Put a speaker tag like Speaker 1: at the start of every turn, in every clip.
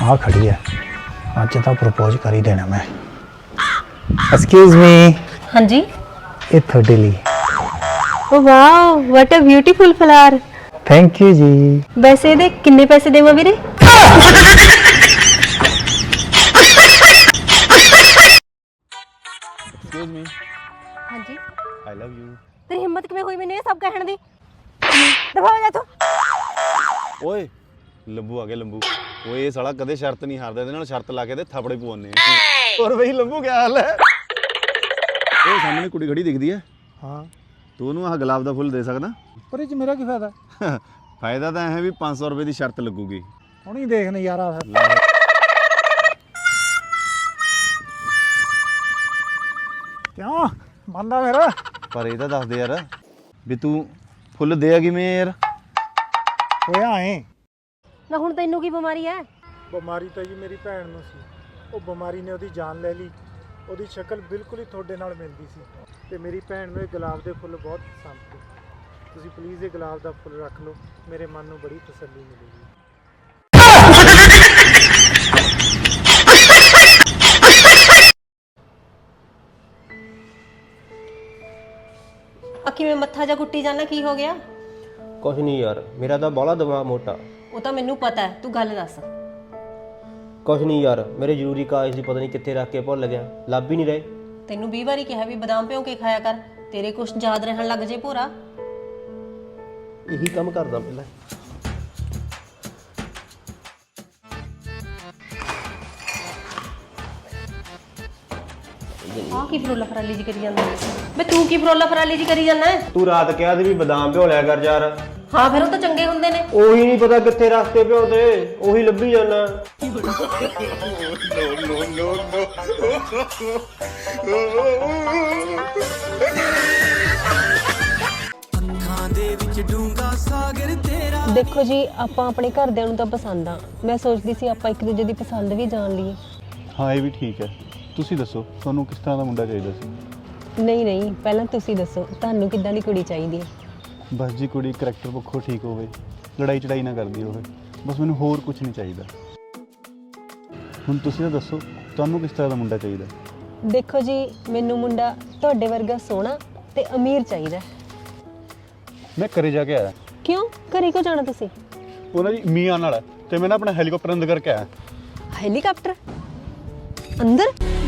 Speaker 1: आ खड़ी है, अज तो प्रपोज कर ही देना मैं। Excuse me.
Speaker 2: हाँ जी।
Speaker 1: ये थोड़े लिए।
Speaker 2: Oh wow, what a beautiful flower.
Speaker 1: Thank you जी।
Speaker 2: वैसे ਇਹਦੇ ਕਿੰਨੇ ਪੈਸੇ ਦੇਵਾਂ ਵੀਰੇ?
Speaker 3: Excuse me.
Speaker 2: हाँ जी।
Speaker 3: I love you.
Speaker 2: तेरी हिम्मत किਵੇਂ ਹੋਈ ਮੈਨੂੰ ਇਹ ਸਭ ਕਹਿਣ ਦੀ? ਦਫਾ ਹੋ ਜਾ ਤੂੰ।
Speaker 3: ਓਏ ਲੰਬੂ ਆ ਗਿਆ ਲੰਬੂ। ਓਏ ਇਹ ਸਾਲਾ ਕਦੇ ਸ਼ਰਤ ਨਹੀਂ ਹਾਰਦਾ, ਇਹਦੇ ਨਾਲ ਸ਼ਰਤ ਲਾ ਕੇ ਤੇ ਥਾਪੜੇ ਪਵਾਉਣੇ ਆ। ਹੋਰ ਬਈ ਲੰਬੂ ਕੀ ਹਾਲ ਹੈ? ਉਹ ਸਾਹਮਣੇ ਕੁੜੀ ਖੜੀ ਦਿਖਦੀ ਹੈ।
Speaker 1: हाँ,
Speaker 3: ਤੂੰ ਉਹਨੂੰ ਆਹ ਗੁਲਾਬ ਦਾ ਫੁੱਲ ਦੇ ਸਕਦਾ?
Speaker 1: पर ये मेरा की फायदा?
Speaker 3: ਫਾਇਦਾ ਤਾਂ ਇਹ ਹੈ ਵੀ 500 ਰੁਪਏ ਦੀ ਸ਼ਰਤ ਲੱਗੂਗੀ।
Speaker 1: ਹੁਣ ਹੀ ਦੇਖ ਨਜ਼ਾਰਾ ਫਿਰ। ਕਿਉਂ ਬੰਦਾ ਮੇਰਾ?
Speaker 3: ਪਰ ਇਹ ਤਾਂ ਦੱਸ ਦੇ ਯਾਰ ਵੀ ਤੂੰ ਫੁੱਲ ਦੇਗਾ ਕਿਵੇਂ ਯਾਰ?
Speaker 1: ਹੋਇਆ ਐ
Speaker 2: ਨਾ ਹੁਣ ਤੈਨੂੰ ਕੀ ਬਿਮਾਰੀ ਹੈ?
Speaker 4: ਬਿਮਾਰੀ ਤਾਂ ਜੀ ਮੇਰੀ ਭੈਣ ਨੂੰ ਸੀ। ਉਹ ਬਿਮਾਰੀ ਨੇ ਉਹਦੀ ਜਾਨ ਲੈ ਲਈ। ਉਹਦੀ ਸ਼ਕਲ ਬਿਲਕੁਲ ਹੀ ਤੁਹਾਡੇ ਨਾਲ ਮਿਲਦੀ ਸੀ ਤੇ ਮੇਰੀ ਭੈਣ ਨੂੰ ਇਹ ਗੁਲਾਬ ਦੇ ਫੁੱਲ ਬਹੁਤ ਪਸੰਦ ਸੀ। ਤੁਸੀਂ ਪਲੀਜ਼ ਇਹ ਗੁਲਾਬ ਦਾ ਫੁੱਲ ਰੱਖ ਲਓ, ਮੇਰੇ ਮਨ ਨੂੰ ਬੜੀ ਤਸੱਲੀ ਮਿਲੇਗੀ।
Speaker 2: ਅੱਖੀ ਵਿੱਚ ਮੱਥਾ ਜਾ ਕੁੱਟੀ ਜਾਣਾ, ਕੀ ਹੋ ਗਿਆ?
Speaker 5: ਕੁਛ ਨਹੀਂ ਯਾਰ, ਮੇਰਾ ਤਾਂ ਬਾਹਲਾ ਦਿਮਾਗ ਮੋਟਾ।
Speaker 2: ਉਹ ਤਾਂ ਮੈਨੂੰ ਪਤਾ ਹੈ, ਤੂੰ ਗੱਲ ਦੱਸ।
Speaker 5: ਕੁਛ ਨਹੀਂ ਯਾਰ, ਮੇਰੇ ਜ਼ਰੂਰੀ ਕਾਗਜ਼ ਦੀ ਪਤਾ ਨਹੀਂ ਕਿੱਥੇ ਰੱਖ ਕੇ ਭੁੱਲ ਗਿਆ, ਲੱਭ ਹੀ ਨਹੀਂ ਰਹੇ।
Speaker 2: ਤੈਨੂੰ 20 ਵਾਰੀ ਕਿਹਾ ਵੀ ਬਦਾਮ ਭਿਓ ਕੇ ਖਾਇਆ ਕਰ, ਤੇਰੇ ਕੁਛ ਯਾਦ ਰਹਿਣ ਲੱਗ ਜੇ ਭੋਰਾ।
Speaker 5: ਇਹੀ ਕੰਮ ਕਰਦਾ ਪਹਿਲਾਂ।
Speaker 2: ਆਹ ਕੀ ਫਰੋਲਾ ਫਰਾਲੀ ਜੀ ਕਰੀ ਜਾਂਦਾ? ਬੇ ਤੂੰ ਕੀ ਫਰੋਲਾ ਫਰਾਲੀ ਜੀ ਕਰੀ ਜਾਂਦਾ?
Speaker 5: ਤੂੰ ਰਾਤ ਕਿਹਾ ਸੀ ਵੀ ਬਦਾਮ ਭਿਓ ਲਿਆ ਕਰ ਯਾਰ।
Speaker 2: ਹਾਂ ਫਿਰ ਉਹ ਤਾਂ ਚੰਗੇ ਹੁੰਦੇ ਨੇ।
Speaker 5: ਉਹੀ ਨਹੀਂ ਪਤਾ ਕਿੱਥੇ ਰਸਤੇ ਭਿਓ ਤੇ, ਉਹੀ ਲੱਭੀ ਜਾਣਾ।
Speaker 2: ਦੇਖੋ ਜੀ, ਆਪਾਂ ਆਪਣੇ ਘਰਦਿਆਂ ਨੂੰ ਤਾਂ ਪਸੰਦ ਆ। ਮੈਂ ਸੋਚਦੀ ਸੀ ਆਪਾਂ ਇੱਕ ਦੂਜੇ ਦੀ ਪਸੰਦ ਵੀ ਜਾਣ ਲਈਏ।
Speaker 3: ਹਾਂ ਇਹ ਵੀ ਠੀਕ ਹੈ। ਤੁਸੀਂ ਦੱਸੋ ਤੁਹਾਨੂੰ ਕਿਸ ਤਰ੍ਹਾਂ ਦਾ ਮੁੰਡਾ ਚਾਹੀਦਾ ਸੀ?
Speaker 2: ਨਹੀਂ ਨਹੀਂ, ਪਹਿਲਾਂ ਤੁਸੀਂ ਦੱਸੋ ਤੁਹਾਨੂੰ ਕਿੱਦਾਂ ਦੀ ਕੁੜੀ ਚਾਹੀਦੀ ਹੈ?
Speaker 3: ਬਸ ਜੀ ਕੁੜੀ ਕਰੈਕਟਰ ਪੱਖੋਂ ਠੀਕ ਹੋਵੇ, ਲੜਾਈ ਚੜਾਈ ਨਾ ਕਰਦੀ ਹੋਵੇ, ਬਸ ਮੈਨੂੰ ਹੋਰ ਕੁਝ ਨਹੀਂ ਚਾਹੀਦਾ। ਹੁਣ ਤੁਸੀਂ ਤਾਂ ਦੱਸੋ ਤੁਹਾਨੂੰ ਕਿਸ ਤਰ੍ਹਾਂ ਦਾ ਮੁੰਡਾ ਚਾਹੀਦਾ?
Speaker 2: ਦੇਖੋ ਜੀ, ਮੈਨੂੰ ਮੁੰਡਾ ਤੁਹਾਡੇ ਵਰਗਾ ਸੋਹਣਾ ਤੇ ਅਮੀਰ ਚਾਹੀਦਾ।
Speaker 3: ਮੈਂ ਘਰੇ ਜਾ ਕੇ ਆਇਆ,
Speaker 2: ਕਿਉਂ? ਘਰੇ ਕਿਉਂ ਜਾਣਾ ਤੁਸੀਂ?
Speaker 3: ਉਹਨਾਂ ਦੀ ਮੀਆਂ ਨਾਲ ਤੇ ਮੈਂ ਨਾ ਆਪਣਾ ਹੈਲੀਕਾਪਟਰ ਅੰਦਰ ਕਰਕੇ ਆਇਆ।
Speaker 2: ਹੈਲੀਕਾਪਟਰ ਅੰਦਰ?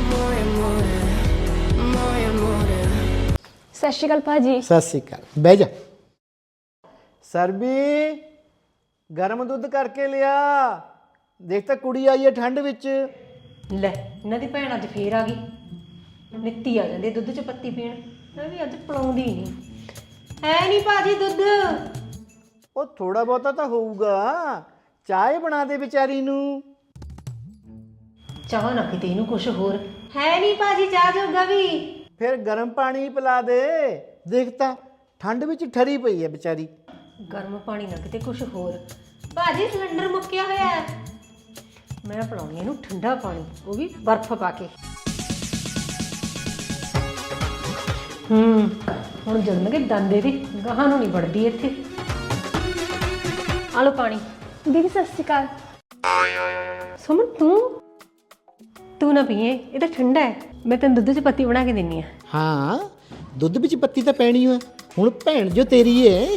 Speaker 2: ਸਤਿ ਸ਼੍ਰੀ ਅਕਾਲ ਭਾਜੀ।
Speaker 4: ਸਤਿ ਸ਼੍ਰੀ ਅਕਾਲ, ਬਹਿ ਜਾ। ਸਰਬੀ ਗਰਮ ਦੁੱਧ ਕਰਕੇ ਲਿਆ। ਦੇਖ ਤਾਂ ਕੁੜੀ ਆਈ ਹੈ ਠੰਡ ਵਿੱਚ।
Speaker 2: ਲੈ, ਇਹਨਾਂ ਦੀ ਭੈਣ ਅੱਜ ਫੇਰ ਆ ਗਈ। ਨਿੱਤੀ ਆ ਜਾਂਦੀ ਦੁੱਧ 'ਚ ਪੱਤੀ ਪੀਣ। ਮੈਂ ਵੀ ਅੱਜ ਪਲਾਉਂਦੀ ਨਹੀਂ। ਹੈ ਨਹੀਂ ਭਾਜੀ ਦੁੱਧ?
Speaker 4: ਉਹ ਥੋੜਾ ਬਹੁਤਾ ਤਾਂ ਹੋਊਗਾ। ਚਾਹ ਬਣਾ ਦੇ ਵਿਚਾਰੀ ਨੂੰ।
Speaker 2: ਚਾਹ ਨਾ ਕਿਤੇ ਇਹਨੂੰ ਕੁਛ ਹੋਰ। ਹੈ ਨਹੀਂ ਭਾਜੀ ਚਾਹ ਜੋਗਾ ਵੀ।
Speaker 4: ਫਿਰ ਗਰਮ ਪਾਣੀ ਪਿਲਾ ਦੇ। ਦੇਖ ਤਾਂ ਠੰਡ ਵਿੱਚ ਠਰੀ ਪਈ ਹੈ ਵਿਚਾਰੀ।
Speaker 2: ਗਰਮ ਪਾਣੀ ਨਾ ਕਿਤੇ ਕੁਛ ਹੋਰ। ਭਾਜੀ ਸਿਲੰਡਰ ਮੁੱਕਿਆ ਹੋਇਆ ਹੈ। ਮੈਂ ਪਿਲਾਉਣੀ ਇਹਨੂੰ ਠੰਡਾ ਪਾਣੀ, ਉਹ ਵੀ ਬਰਫ਼ ਪਾ ਕੇ। ਹੁਣ ਜੰਮਣਗੇ ਦੰਦੇ ਦੀ ਗਾਹਾਂ ਨੂੰ ਨਹੀਂ ਵੜਦੀ ਇੱਥੇ। ਆ ਲੋ ਪਾਣੀ। ਦੀਦੀ ਸਤਿ ਸ਼੍ਰੀ ਅਕਾਲ। ਸੁਮਨ ਤੂੰ ਨਾ ਪੀਏ, ਇਹ ਤਾਂ ਠੰਡਾ ਹੈ। ਮੈਂ ਤੈਨੂੰ ਦੁੱਧ 'ਚ ਪੱਤੀ ਬਣਾ ਕੇ ਦਿੰਨੀ ਆ।
Speaker 4: ਹਾਂ, ਦੁੱਧ ਵਿੱਚ ਪੱਤੀ ਤਾਂ ਪੈਣੀ ਹੈ। ਹੁਣ ਭੈਣ ਜੋ ਤੇਰੀ ਹੈ।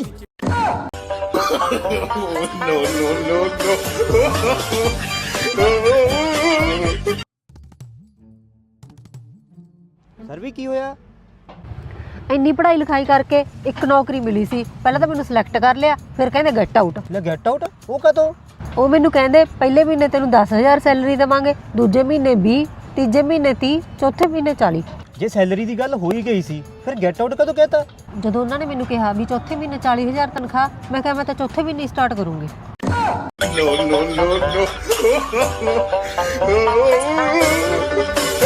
Speaker 5: ਸਰਵੀ ਕੀ ਹੋਇਆ?
Speaker 2: ਇੰਨੀ ਪੜ੍ਹਾਈ ਲਿਖਾਈ ਕਰਕੇ ਇੱਕ ਨੌਕਰੀ ਮਿਲੀ ਸੀ। ਪਹਿਲਾਂ ਤਾਂ ਮੈਨੂੰ ਸਿਲੈਕਟ ਕਰ ਲਿਆ, ਫਿਰ ਕਹਿੰਦੇ ਗੈਟ ਆਊਟ।
Speaker 5: ਲੈ ਗੈਟ ਆਊਟ? ਉਹ ਕਦੋਂ?
Speaker 2: ਉਹ ਮੈਨੂੰ ਕਹਿੰਦੇ ਪਹਿਲੇ ਮਹੀਨੇ ਤੈਨੂੰ 10,000 ਸੈਲਰੀ ਦੇਵਾਂਗੇ, ਦੂਜੇ ਮਹੀਨੇ 20, ਤੀਜੇ ਮਹੀਨੇ 30, ਚੌਥੇ ਮਹੀਨੇ 40।
Speaker 5: ਜੇ ਸੈਲਰੀ ਦੀ ਗੱਲ ਹੋ ਹੀ ਗਈ ਸੀ ਫਿਰ ਗੈਟ ਆਊਟ ਕਦੋਂ ਕਹਿਤਾ?
Speaker 2: ਜਦੋਂ ਉਹਨਾਂ ਨੇ ਮੈਨੂੰ ਕਿਹਾ ਵੀ ਚੌਥੇ ਮਹੀਨੇ 40,000 ਤਨਖਾਹ, ਮੈਂ ਕਿਹਾ ਮੈਂ ਤਾਂ ਚੌਥੇ ਮਹੀਨੇ ਸਟਾਰਟ ਕਰੂੰਗੀ।
Speaker 3: No, no, no, no.